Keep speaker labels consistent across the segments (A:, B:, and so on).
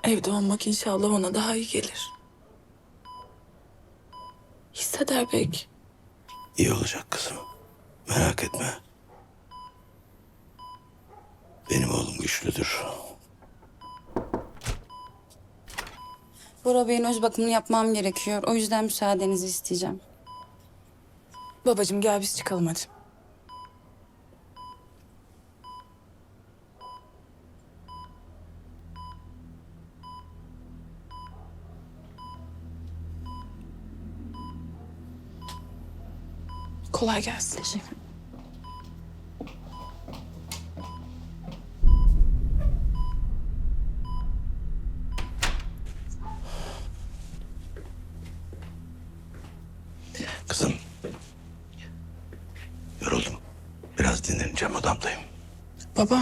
A: Evde olmak inşallah ona daha iyi gelir. Hisseder belki.
B: İyi olacak kızım. Merak etme. Benim oğlum güçlüdür.
C: Bora Bey'in öz bakımını yapmam gerekiyor. O yüzden müsaadenizi isteyeceğim.
A: Babacığım gel biz çıkalım hadi. Kolay gelsin.
C: Teşekkür.
B: Kızım. Yoruldum. Biraz dinleneceğim, odamdayım.
A: Baba.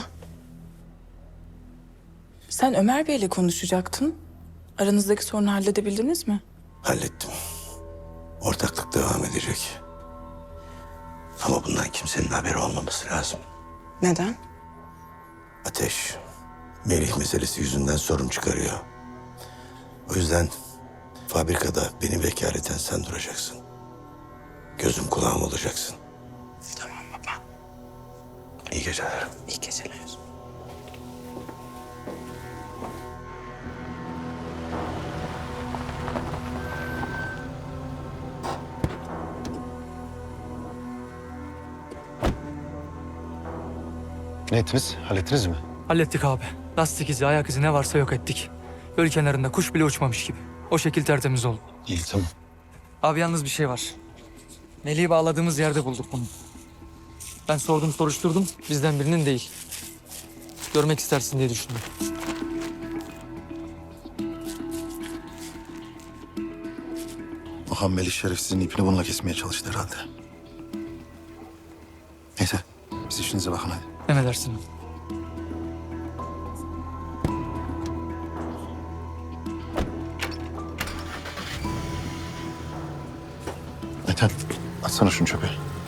A: Sen Ömer Bey'le konuşacaktın. Aranızdaki sorunu halledebildiniz mi?
B: Hallettim. Ortaklık devam edecek. Ama bundan kimsenin haberi olmaması lazım.
A: Neden?
B: Ateş, Melih meselesi yüzünden sorun çıkarıyor. O yüzden fabrikada beni vekaleten sen duracaksın. Gözüm kulağım olacaksın.
A: Tamam baba.
B: İyi geceler.
A: İyi geceler.
D: Ne ettiniz? Hallettiniz mi?
E: Hallettik abi. Lastik izi, ayak izi ne varsa yok ettik. Göl kenarında kuş bile uçmamış gibi. O şekil tertemiz oldu.
D: İyi, tamam.
E: Abi yalnız bir şey var. Melih'i bağladığımız yerde bulduk bunu. Ben sordum soruşturdum. Bizden birinin değil. Görmek istersin diye düşündüm.
D: Okan Melih şerefsizin ipini bununla kesmeye çalıştı herhalde. Neyse, siz işinize bakın hadi.
E: Emredersin.
D: Ethem, atsana şunu çöpe.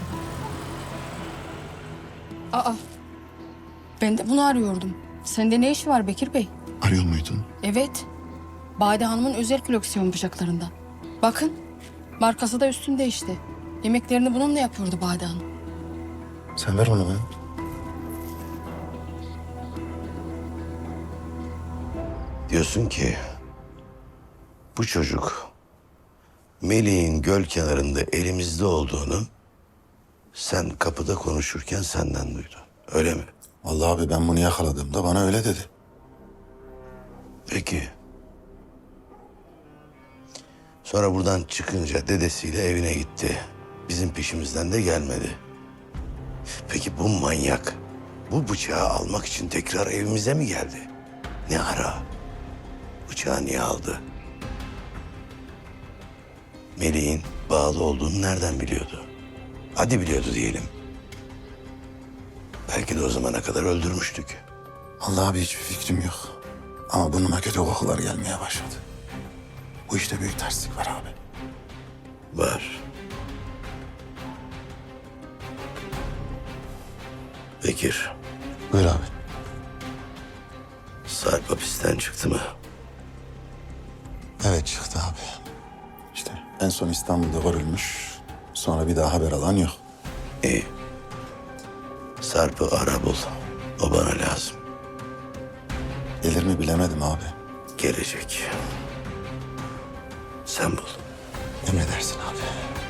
C: Aa, ben de bunu arıyordum. Sende ne işi var Bekir Bey?
D: Arıyor muydun?
C: Evet. Bade Hanım'ın özel koleksiyon bıçaklarından. Bakın, markası da üstünde işte. Yemeklerini bununla yapıyordu Bade Hanım.
D: Sen ver onu bana.
B: Diyorsun ki bu çocuk Melih'in göl kenarında elimizde olduğunu sen kapıda konuşurken senden duydu. Öyle mi?
D: Vallahi abi ben bunu yakaladığımda bana öyle dedi.
B: Peki. Sonra buradan çıkınca dedesiyle evine gitti. Bizim peşimizden de gelmedi. Peki bu manyak bu bıçağı almak için tekrar evimize mi geldi? Ne ara? Bıçağı niye aldı? Melih'in bağlı olduğunu nereden biliyordu? Hadi biliyordu diyelim. Belki de o zamana kadar öldürmüştük.
D: Vallahi abi hiçbir fikrim yok. Ama burnuma kötü kokular gelmeye başladı. Bu işte büyük terslik var abi.
B: Var. Bekir,
D: Buyur abi.
B: Sarp hapisten çıktı mı?
D: Evet çıktı abi. İşte en son İstanbul'da görülmüş. Sonra bir daha haber alan yok.
B: İyi. Sarp'ı ara bul. O bana lazım.
D: Gelir mi bilemedim abi.
B: Gelecek. Sen bul.
D: Emredersin abi.